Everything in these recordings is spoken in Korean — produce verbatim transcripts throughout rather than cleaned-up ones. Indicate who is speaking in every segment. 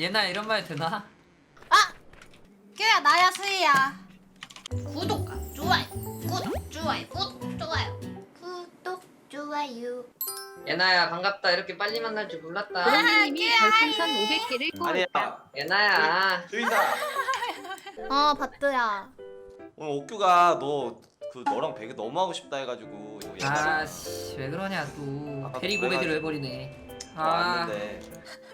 Speaker 1: 얘나 이런 말 되나?
Speaker 2: 아! 큐야 나야 수희야. 구독과 좋아요 구독 좋아요 구독 좋아요 구독 좋아요.
Speaker 1: 얘나야 반갑다. 이렇게 빨리 만날 줄 몰랐다.
Speaker 3: 브로님이
Speaker 2: 아,
Speaker 3: 별풍선 오백 개를
Speaker 4: 아니야.
Speaker 3: 뽑았다.
Speaker 1: 얘나야.
Speaker 4: 주인아.
Speaker 2: 어 바트야.
Speaker 4: 오늘 옥규가 너 그 너랑 배그 너무 하고 싶다 해가지고 이거 얘가
Speaker 1: 아씨 왜 그러냐 또.
Speaker 4: 아까
Speaker 1: 대리
Speaker 4: 그래가지고.
Speaker 1: 고백을 해버리네. 아.
Speaker 4: 왔는데.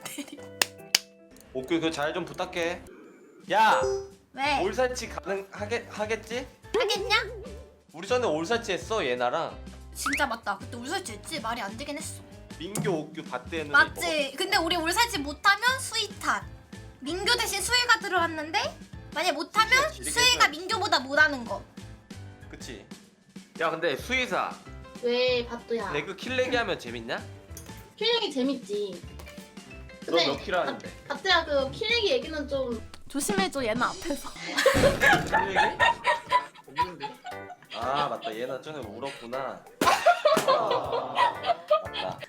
Speaker 4: 옥규 그 잘 좀 부탁해. 야,
Speaker 2: 왜?
Speaker 4: 올살치 가능하겠 하겠지?
Speaker 2: 하겠냐?
Speaker 4: 우리 전에 올살치 했어 얘나랑.
Speaker 2: 진짜 맞다. 그때 울살치 했지? 말이 안 되긴 했어.
Speaker 4: 민규 옥규 밭대 했는데.
Speaker 2: 맞지? 근데 우리 울살치 못하면 수희 탓. 민규 대신 수희가 들어왔는데 만약 못하면
Speaker 4: 그치, 지르게
Speaker 2: 수희가
Speaker 4: 해줘야지.
Speaker 2: 민규보다 못하는 거.
Speaker 4: 그치. 야 근데 수의사
Speaker 5: 왜 바뚜야?
Speaker 4: 배그 킬레기 하면 재밌냐?
Speaker 5: 킬링이 재밌지.
Speaker 4: 너
Speaker 5: 근데
Speaker 4: 몇 킬 하는데?
Speaker 5: 바뚜야 그 킬링이 얘기는 좀
Speaker 2: 조심해줘 얘는 앞에서.
Speaker 4: 킬레기?
Speaker 1: 없는데.
Speaker 4: 아 맞다 얘나 전에 울었구나. 아, 맞다.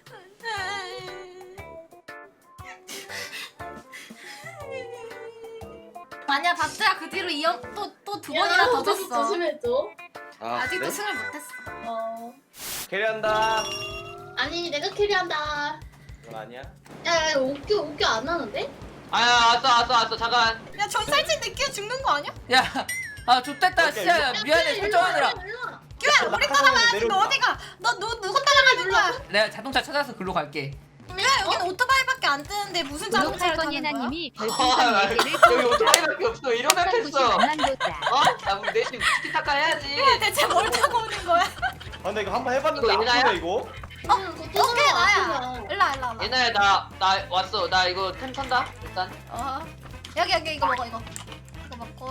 Speaker 2: 만약 바트야 그 뒤로 이형 또또 두
Speaker 5: 야,
Speaker 2: 번이나 더
Speaker 5: 조심-
Speaker 2: 졌어.
Speaker 5: 조심해줘.
Speaker 4: 아,
Speaker 2: 아직도
Speaker 4: 그래?
Speaker 2: 승을 못했어.
Speaker 5: 어.
Speaker 4: 캐리한다.
Speaker 5: 아니 내가 캐리한다.
Speaker 4: 그건 아니야?
Speaker 5: 야, 야 옥규 옥규 안 하는데?
Speaker 1: 아야 왔어 왔어 왔어 잠깐.
Speaker 2: 야 전살치 느끼 죽는 거 아니야?
Speaker 1: 야. 아 좆됐다
Speaker 4: 오케이.
Speaker 1: 씨야. 미안해 설정하느라.
Speaker 2: 큐야 우리 따라가야지. 너 어디가? 너 누, 누구 따라가는 거야?
Speaker 1: 내가 자동차 찾아서 글로 갈게.
Speaker 2: 야 여기는 오토바이밖에 안 뜨는데 무슨 자동차를
Speaker 3: 구독할
Speaker 2: 타는
Speaker 3: 건
Speaker 2: 거야?
Speaker 3: 예나님이
Speaker 1: 아,
Speaker 3: 별풍선
Speaker 1: 나
Speaker 3: 네 개를
Speaker 1: 여기 오토바이밖에 없어. 이러면
Speaker 3: 구십
Speaker 1: 됐어.
Speaker 3: 만만 보자.
Speaker 1: 어? 나 우리 내심 티키타카 해야지.
Speaker 2: 대체 뭘 타고 오는 거야?
Speaker 4: 아 근데 이거 한번 해봤는데
Speaker 1: 이거 얘나야?
Speaker 4: 아프네 이거.
Speaker 5: 응, 그거
Speaker 2: 오케이 나야.
Speaker 5: 아프다.
Speaker 2: 일로 일로 일로.
Speaker 1: 얘나야 나 나 왔어. 나 이거 템 턴다. 일단.
Speaker 2: 어 여기 여기 이거 먹어 이거. 이거 먹고.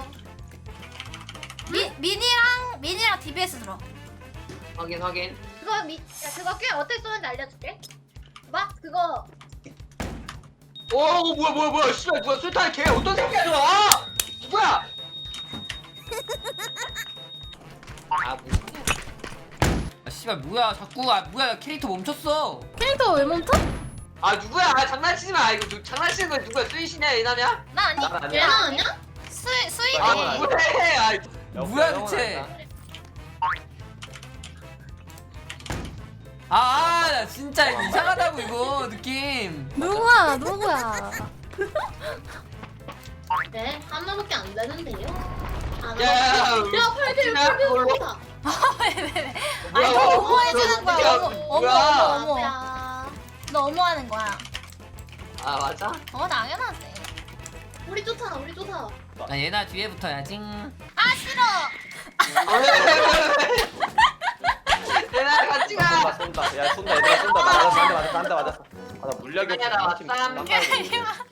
Speaker 2: 미 미니랑 미니랑 디비에스 들어.
Speaker 1: 확인 확인.
Speaker 2: 그거 미, 야 그거 꽤 어떻게 쏘는지 알려줄게. 봐 그거.
Speaker 1: 오 뭐야 뭐야 뭐야 씨발 뭐야 술탄 걔 어떤 새끼야 저거 아! 누구야? 아 뭐야 아 씨발 뭐야 자꾸 아 뭐야 캐릭터 멈췄어
Speaker 2: 캐릭터 왜 멈춰?
Speaker 1: 아 누구야 아 장난치지 마 이거 누, 장난치는 거야 누구야 수이씨냐 얘나냐?
Speaker 2: 나 아니.
Speaker 4: 난 아니야.
Speaker 5: 얘나 아니야?
Speaker 2: 수이 수이.
Speaker 1: 아
Speaker 4: 아,
Speaker 1: 뭐해 아
Speaker 4: 야,
Speaker 1: 뭐야
Speaker 4: 형은
Speaker 1: 대체
Speaker 4: 아니다.
Speaker 1: 아 나 진짜 이상하다고 이거 느낌
Speaker 2: 누구야 누구야?
Speaker 5: 네, 하나밖에 안 되는데요. 하나.
Speaker 1: 야, 야, 야,
Speaker 5: 야, 팔킬
Speaker 1: 야,
Speaker 5: 팔킬
Speaker 1: 뭘로?
Speaker 5: 다
Speaker 2: 왜왜왜?
Speaker 1: 뭐야,
Speaker 2: 아니
Speaker 1: 뭐야,
Speaker 2: 너 어머해주는
Speaker 1: 뭐야,
Speaker 2: 거야. 어머 어머
Speaker 1: 뭐야.
Speaker 2: 어머 어머.
Speaker 5: 야,
Speaker 2: 너 어머하는 거야.
Speaker 1: 아 맞아?
Speaker 2: 어 당연하지.
Speaker 5: 우리 쫓아, 우리 쫓아.
Speaker 1: 나 얘나 뒤에 붙어야지
Speaker 2: 아 싫어.
Speaker 1: 얘나 같이
Speaker 4: 쏜다
Speaker 1: 가
Speaker 4: 쏜다. 야 쏜다 얘들아 쏜다. 나 맞았어 한대 맞았어 한대 맞았어. 아나 물약이
Speaker 1: 아니야, 나
Speaker 4: 없어. 팀
Speaker 1: 왔다.
Speaker 4: 깜빡이네.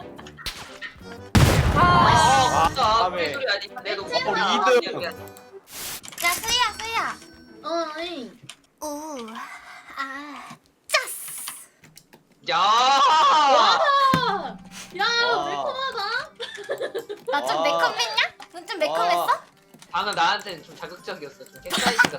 Speaker 1: 아
Speaker 4: 아,
Speaker 1: 진짜
Speaker 4: 다음에.
Speaker 1: 무슨 소리 아니야 내가
Speaker 5: 어,
Speaker 4: 이 등.
Speaker 2: 야 수희야 수희야.
Speaker 5: 어, 아니.
Speaker 2: 우. 아. 짜스.
Speaker 1: 야
Speaker 5: 와! 야,
Speaker 4: 와.
Speaker 5: 매콤하다.
Speaker 2: 나 좀
Speaker 4: 와.
Speaker 2: 매콤했냐? 넌 좀 매콤했어?
Speaker 1: 방금 나한테는 좀 자극적이었어. 좀 캡사이신 같아.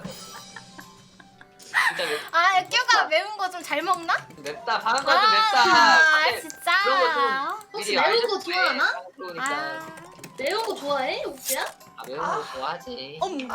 Speaker 1: 진짜 맵,
Speaker 2: 아 큐가 매운 거 좀 잘 먹나?
Speaker 1: 맵다. 방금 건 좀 맵다.
Speaker 2: 아
Speaker 1: 근데
Speaker 2: 진짜.
Speaker 1: 그런 거좀
Speaker 5: 혹시
Speaker 1: 미리
Speaker 5: 매운
Speaker 1: 알려줄게.
Speaker 5: 거 좋아하나?
Speaker 1: 그러니까.
Speaker 2: 아.
Speaker 5: 매운 거 좋아해, 옥규야?
Speaker 1: 아, 매운 거 좋아하지.
Speaker 2: 어머.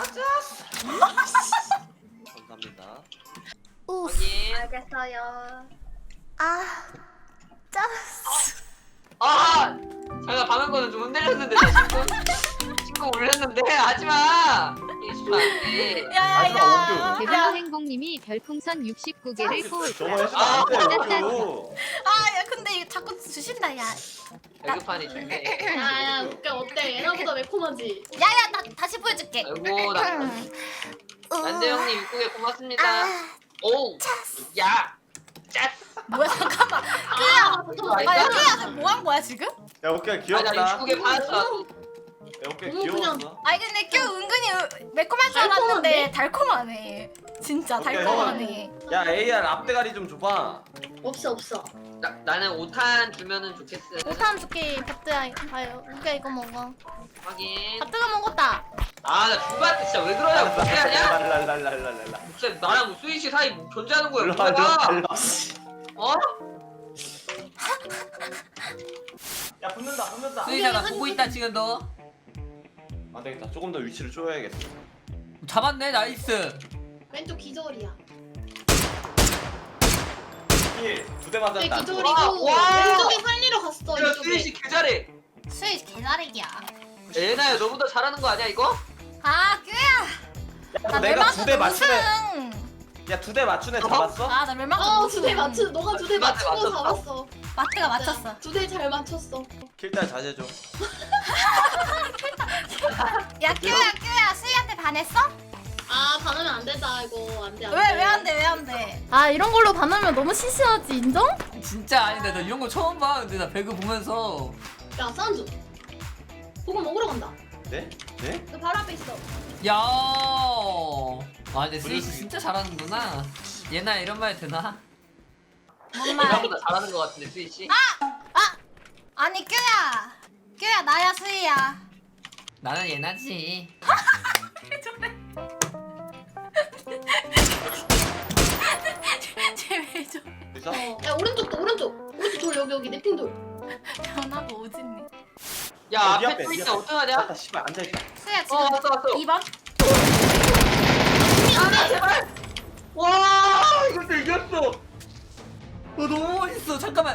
Speaker 4: 감사합니다.
Speaker 2: 우.
Speaker 1: 확인.
Speaker 5: 알겠어요.
Speaker 2: 아. 짜스.
Speaker 1: 아! 잠깐 방금 거는 좀 흔들렸는데 나 친구 친구 올렸는데 하지마. 이게 진짜 안 돼.
Speaker 2: 야야야.
Speaker 3: 대변호 행복님이 별풍선 육십구 개를
Speaker 4: 저거
Speaker 3: 뽑았다.
Speaker 4: 해주면
Speaker 1: 아,
Speaker 4: 안 돼. 옥규.
Speaker 2: 아야 근데 이거 자꾸 주신다 야.
Speaker 1: 배급판이 좋네.
Speaker 5: 야, 야, 옥규야 어때? 얘나보다 매콤하지?
Speaker 2: 야야 나 다시 보여줄게.
Speaker 1: 아이고 나 난대 형님 입국에 고맙습니다. 오. 야. 짜스.
Speaker 2: 뭐야 잠깐만.
Speaker 5: 아,
Speaker 1: 이거
Speaker 2: 아
Speaker 1: 아니다?
Speaker 2: 여기야 뭐 한 거야 지금?
Speaker 4: 야 옥규야
Speaker 1: 아, 나
Speaker 4: 귀엽다.
Speaker 1: 입국에 받았어.
Speaker 4: 야 옥규야
Speaker 5: 너무
Speaker 4: 귀여웠어.
Speaker 2: 아니 근데 큐 은근히 매콤할 줄 알았는데 달콤하네. 진짜
Speaker 4: 오케이,
Speaker 2: 달콤하네.
Speaker 4: 야 에이알 앞대가리 좀 줘봐.
Speaker 5: 없어, 없어.
Speaker 1: 나, 나는 오탄 주면은 좋겠어.
Speaker 2: 오탄 줄게 바트야. 아유 우리가 이거 먹어.
Speaker 1: 확인.
Speaker 2: 바트가 먹었다.
Speaker 1: 아, 나 중간때 진짜 왜 그러냐고. 못해 하냐?
Speaker 4: 랄랄랄랄랄랄라.
Speaker 1: 진짜 나랑 뭐 수희씨 사이 뭐 존재하는 거야.
Speaker 4: 일로 와 일로 와
Speaker 1: 뭐야?
Speaker 4: 일로 와.
Speaker 1: 어?
Speaker 4: 야 붙는다 붙는다.
Speaker 6: 수희야 나 보고 있다 지금 너.
Speaker 4: 안 되겠다. 조금 더 위치를 쪼여야겠어.
Speaker 6: 잡았네 나이스.
Speaker 5: 왼쪽 기절이야.
Speaker 4: 힐두대
Speaker 5: 네,
Speaker 4: 맞았다.
Speaker 5: 기절이고
Speaker 1: 와, 와.
Speaker 5: 왼쪽에 살리러 갔어.
Speaker 1: 야
Speaker 5: 이쪽에.
Speaker 1: 수희씨 개잘해.
Speaker 2: 수희 개나리기야.
Speaker 1: 예나야 너보다 잘하는 거 아니야 이거?
Speaker 2: 아 규야. 나
Speaker 4: 내가 두 대 맞추네.
Speaker 2: 우승.
Speaker 4: 야 두 대 맞추네 잡았어?
Speaker 2: 아나 멸망.
Speaker 5: 어, 두 대 맞추. 너가 두 대
Speaker 1: 맞췄어,
Speaker 5: 맞추고
Speaker 1: 맞췄어.
Speaker 5: 잡았어.
Speaker 2: 마트가 맞췄어.
Speaker 5: 두 대 잘 맞췄어.
Speaker 4: 킬딸 자제줘.
Speaker 2: 야 규야 규야 수희한테 반했어?
Speaker 5: 아, 반하면 안 된다 이거. 안 돼. 안 돼.
Speaker 2: 왜 왜 안 돼 왜 안 돼?
Speaker 7: 아 이런 걸로 반하면 너무 시시하지 인정?
Speaker 6: 진짜 아닌데 나 이런 거 처음 봐. 근데 나 배그 보면서
Speaker 5: 야, 사운드. 보고 먹으러 간다.
Speaker 4: 네? 네?
Speaker 5: 너 바로 앞에 있어.
Speaker 6: 야. 아 근데 스위치
Speaker 4: 그래서-
Speaker 6: 진짜 잘하는구나. 얘나 이런 말 되나?
Speaker 2: 뭔 말?
Speaker 1: 예나보다 잘하는 거 같은데 수희씨.
Speaker 2: 아니 규야. 규야 나야 수희야.
Speaker 6: 나는 얘나지.
Speaker 2: 쟤왜 저?
Speaker 4: 의사?
Speaker 5: 어. 야, 오른쪽도 오른쪽. 오른쪽 돌 여기 여기 내핑 돌.
Speaker 2: 변하고 오진니.
Speaker 1: 야
Speaker 4: 어,
Speaker 1: 앞에
Speaker 4: 네 앞에,
Speaker 1: 또
Speaker 4: 네
Speaker 1: 있다
Speaker 4: 앞에.
Speaker 1: 어떡하냐?
Speaker 4: 맞다 씨발 앉아있다.
Speaker 2: 수희야 지금
Speaker 1: 어 왔어 왔어.
Speaker 2: 이 번?
Speaker 1: 아 제발. 와 이것도 이겼어.
Speaker 6: 어 너무 멋있어. 잠깐만.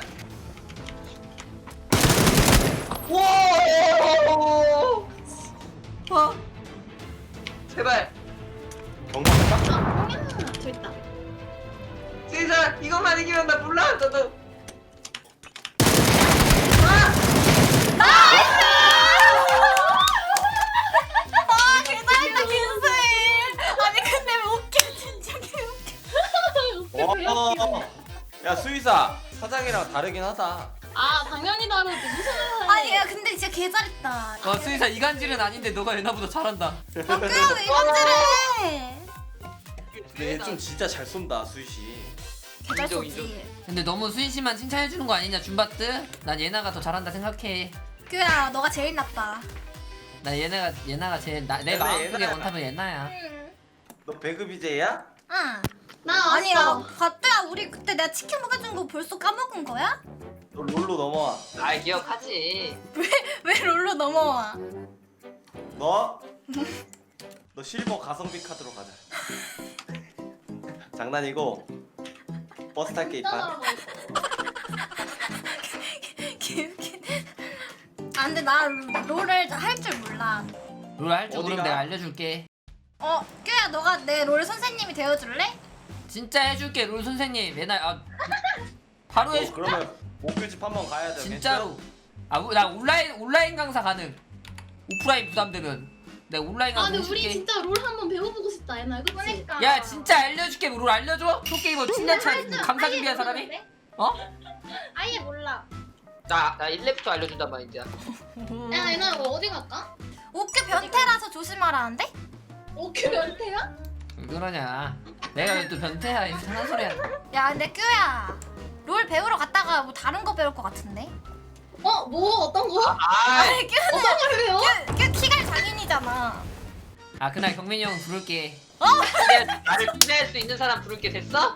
Speaker 1: 와.
Speaker 6: 어?
Speaker 1: 제발.
Speaker 4: 경찰 딱.
Speaker 5: 아, 형이야. 저 있다.
Speaker 1: 수희사 이것만 이기면 나 몰라 너도.
Speaker 2: 아 개잘했다 김수희. 아니 근데 왜 웃겨 진짜 개 웃겨.
Speaker 4: 와. 야 수의사 사장이랑 다르긴 하다.
Speaker 5: 아, 당연히 다르지. 무슨 소리야.
Speaker 2: 아니 야 근데 진짜 개잘했다.
Speaker 6: 어 수희사 이간질은 아닌데 너가 얘나보다 잘한다.
Speaker 2: 어 규야 왜 이간질해?
Speaker 4: 근데 얘 좀 진짜 잘 쏜다 수희 씨.
Speaker 2: 개잘
Speaker 1: 인정,
Speaker 2: 쏘지.
Speaker 6: 근데 너무 수희 씨만 칭찬해주는 거 아니냐 줌바트? 난 얘나가 더 잘한다 생각해.
Speaker 2: 규야 너가 제일 나빠.
Speaker 6: 나 얘네가 얘나가 제일 나, 내
Speaker 4: 얘네,
Speaker 6: 마음속에
Speaker 4: 얘나야.
Speaker 6: 원탑은 얘나야.
Speaker 4: 너 배그 비제이야?
Speaker 2: 응.
Speaker 5: 나 왔어.
Speaker 2: 아니야 가트야 우리 그때 내가 치킨 먹여준 거 벌써 까먹은 거야?
Speaker 4: 너 롤로 넘어와.
Speaker 1: 아 기억하지.
Speaker 2: 왜 롤로 넘어와?
Speaker 4: 너? 너 실버 가성비 카드로 가자. 장난이고 버스 탈게 이판.
Speaker 5: 짠하라고 했어.
Speaker 2: 개웃기네. 아 근데 나 롤을 할 줄 몰라.
Speaker 6: 롤 할 줄 모르면
Speaker 4: 어디가?
Speaker 6: 내가 알려줄게.
Speaker 2: 어 규야 너가 내 롤 선생님이 되어줄래?
Speaker 6: 진짜 해줄게 롤 선생님. 얘나 아 바로
Speaker 4: 어,
Speaker 6: 해줄.
Speaker 4: 그러면 목표집 한번 가야 돼.
Speaker 6: 진짜로. 아 나 온라인 온라인 강사 가능. 오프라인 부담되면 내가 온라인
Speaker 5: 아,
Speaker 6: 강사
Speaker 5: 근데 우리
Speaker 6: 해줄게.
Speaker 5: 진짜 롤 한번 배워보고 싶다. 얘나 그치?
Speaker 2: 그러니까.
Speaker 6: 야 진짜 알려줄게. 롤 알려줘? 프로게이머 칠년차 강사 준비한 사람이? 어?
Speaker 5: 아예 몰라.
Speaker 1: 나나 일 렙부터 알려준단 말이야.
Speaker 5: 야, 얘나 이거 어디 갈까?
Speaker 2: 옥규 변태라서 조심하라는데?
Speaker 5: 오케이, 변태야?
Speaker 6: 왜 그러냐. 내가 왜 또 변태야. 이상한 소리야.
Speaker 2: 야 근데 규야 롤 배우러 갔다가 뭐 다른 거 배울 것 같은데?
Speaker 5: 어, 뭐 어떤 거?
Speaker 1: 아
Speaker 2: 아니 규는
Speaker 5: 어떤 걸 배워?
Speaker 2: 규, 규 키갈 장인이잖아.
Speaker 6: 아 그날 경민이 형 부를게.
Speaker 1: 근데 나를 피할 수 있는 사람 부를게 됐어?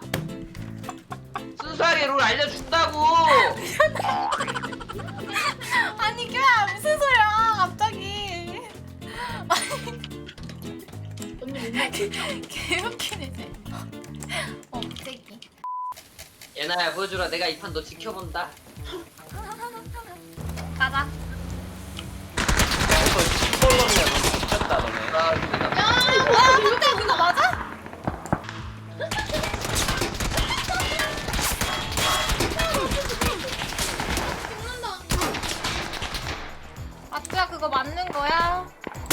Speaker 1: 순수하게 롤 알려준다고.
Speaker 2: 아니 규야 무슨 소리야 갑자기.
Speaker 5: 언니 못 맞지?
Speaker 2: 개웃기네 쟤. 어 갑자기.
Speaker 1: 예나야 보여주라 내가 이 판 너 지켜본다.
Speaker 2: 가자.
Speaker 4: 그래서 시벌렁이야. 너 미쳤다 너네.
Speaker 1: 아 근데 나
Speaker 2: 와 근데 그거 맞아?
Speaker 5: 죽는다.
Speaker 2: 아트야 그거 맞는 거야?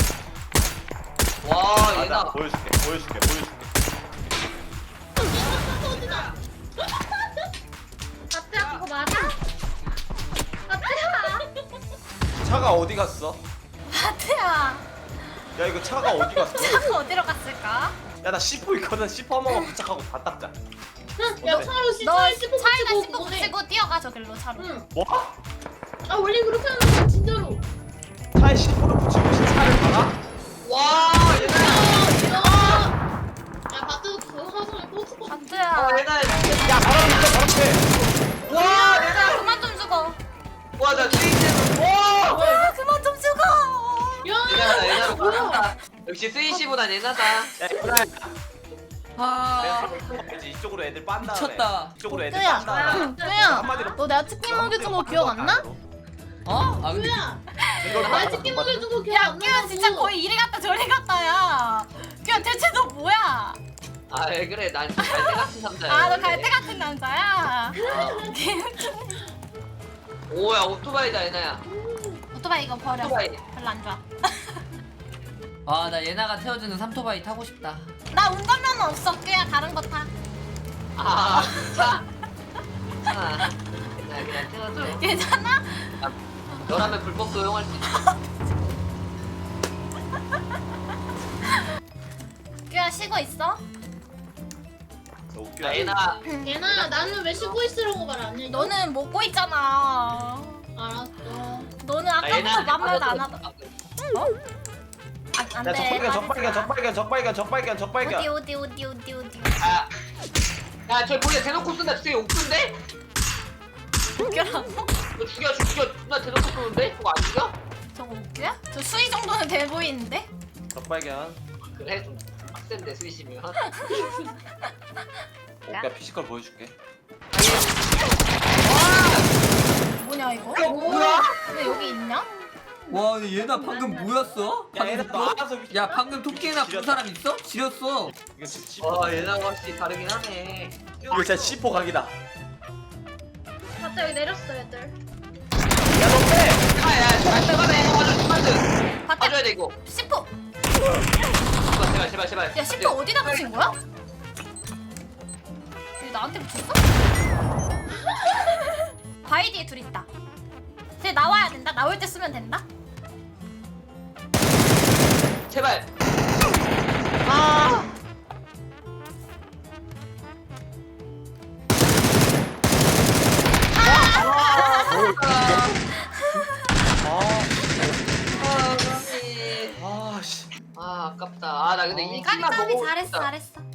Speaker 1: 와
Speaker 4: 맞아.
Speaker 1: 예나
Speaker 4: 보여줄게. 보여줄게. 보여줄게.
Speaker 5: 터지다.
Speaker 2: 아트야 그거 맞아? 아트야.
Speaker 4: 차가 어디 갔어?
Speaker 2: 아트야
Speaker 4: 야 이거 차가 어디 갔어?
Speaker 2: 차가 어디로 갔을까?
Speaker 4: 야 나 씨포 있거든. 씨포 한 번만 부착하고 다 닦자.
Speaker 5: 야,
Speaker 4: 어때?
Speaker 5: 차로 씨,
Speaker 2: 너
Speaker 5: 차에 씹고
Speaker 2: 차에다
Speaker 5: 붙이고
Speaker 2: 씹고
Speaker 5: 오래.
Speaker 2: 붙이고 뛰어가 저길로 차로.
Speaker 5: 응.
Speaker 4: 뭐?
Speaker 5: 아, 원래 그렇게 하는 거야, 진짜로.
Speaker 4: 차에 씨포를 붙이고 차를 박아?
Speaker 1: 와 예나
Speaker 5: 야, 야. 야, 바트 그거 하성에 꽂고.
Speaker 2: 아트야
Speaker 1: 어 예나
Speaker 4: 야 바람 불어 바람 돼.
Speaker 1: 와 예나
Speaker 2: 그만 좀 죽어.
Speaker 1: 와나 스위시브. 와.
Speaker 2: 아, 그만 좀 죽어.
Speaker 1: 얘나다
Speaker 5: 야
Speaker 1: 얘나로
Speaker 5: 뭐야
Speaker 1: 받았다. 역시 스위시보단 얘나다.
Speaker 4: 야 얘들아
Speaker 6: 아
Speaker 4: 이제 이쪽으로 애들 빤 다음에
Speaker 6: 미쳤다.
Speaker 4: 이쪽으로 애들
Speaker 7: 뚜야,
Speaker 4: 빤 다음에
Speaker 7: 뚜야,
Speaker 4: 한마디로
Speaker 7: 너 내가 치킨 먹여준 거 기억 안 나?
Speaker 6: 어? 아 근데
Speaker 5: 뭐야
Speaker 4: 이걸
Speaker 5: 나
Speaker 4: 봐.
Speaker 5: 치킨 먹여준 거 기억
Speaker 2: 야,
Speaker 5: 안
Speaker 2: 끼야
Speaker 5: 나고
Speaker 2: 진짜 거의 이리 갔다 저리 갔다야. 끼야 대체 너 뭐야?
Speaker 1: 아 왜 그래 난 갈대 같은 남자야.
Speaker 2: 아, 너 갈대 같은 남자야.
Speaker 1: 오야 오토바이다 얘나야.
Speaker 2: 오토바이 이거 버려.
Speaker 1: 오토바이.
Speaker 2: 별로 안 좋아.
Speaker 6: 아 나 예나가 태워주는 삼토바이 타고 싶다.
Speaker 2: 나 운전면허 없어. 끼야 다른 거 타.
Speaker 1: 아 차. 차. 나 그냥 태워줘.
Speaker 2: 괜찮아?
Speaker 1: 너라면 불법 도용할 수 있어.
Speaker 2: 끼야 쉬고 있어?
Speaker 4: 웃겨.
Speaker 1: 야 얘나.
Speaker 5: 얘나 나는 왜 쉬고 있으라고 말 안 해?
Speaker 2: 너는 먹고 있잖아.
Speaker 5: 알았어
Speaker 2: 너는
Speaker 1: 아,
Speaker 2: 아까부터
Speaker 1: 얘나
Speaker 2: 맘 말도 안 하다. 아, 안
Speaker 4: 야
Speaker 2: 돼.
Speaker 4: 적발견 적발견 적발견 적발견 적발견 적발견.
Speaker 2: 어디 어디 어디 어디 어디.
Speaker 1: 아. 야저 뭐야 대놓고 쏜다 진짜 옥수인데?
Speaker 2: 웃겨라고?
Speaker 1: 너 죽여 죽여 나 대놓고 쏘는데? 그거 안 죽여?
Speaker 2: 저거 웃겨야? 저 수위 정도는 돼 보이는데?
Speaker 4: 적발견.
Speaker 1: 그래 좀 빡센데 스위시면.
Speaker 4: 오케이 피지컬 보여줄게.
Speaker 2: 뭐냐 이거?
Speaker 1: 이거 뭐야?
Speaker 2: 왜 여기 있냐?
Speaker 6: 와 근데 얘나 방금 뭐였어?
Speaker 4: 야 얘들 너 알아서.
Speaker 6: 야 방금 토끼나 본 사람 있어? 지렸어.
Speaker 4: 이거 진짜
Speaker 1: 와 얘나가 확실히 다르긴 하네.
Speaker 4: 이거 진짜 씨포 각이다.
Speaker 5: 맞다 여기 내렸어 애들
Speaker 4: 야너 빼.
Speaker 1: 야야 잘 빼가네. 맞아 스마트.
Speaker 2: 봤다.
Speaker 1: 봐줘야 돼 이거.
Speaker 2: 시포.
Speaker 1: 제발 제발 제발 제발.
Speaker 2: 야 시포 어디다 붙인 거야? 왜 나한테 붙였어? 바위 뒤에 둘 있다. 쟤 나와야 된다. 나올 때 쓰면 된다.
Speaker 1: 제발. 아. 아,
Speaker 4: 아씨.
Speaker 1: 아 아깝다. 아 나 근데
Speaker 4: 어.
Speaker 1: 이
Speaker 2: 까비
Speaker 1: 킬만
Speaker 2: 까비
Speaker 1: 먹어.
Speaker 2: 잘했어 잘했어.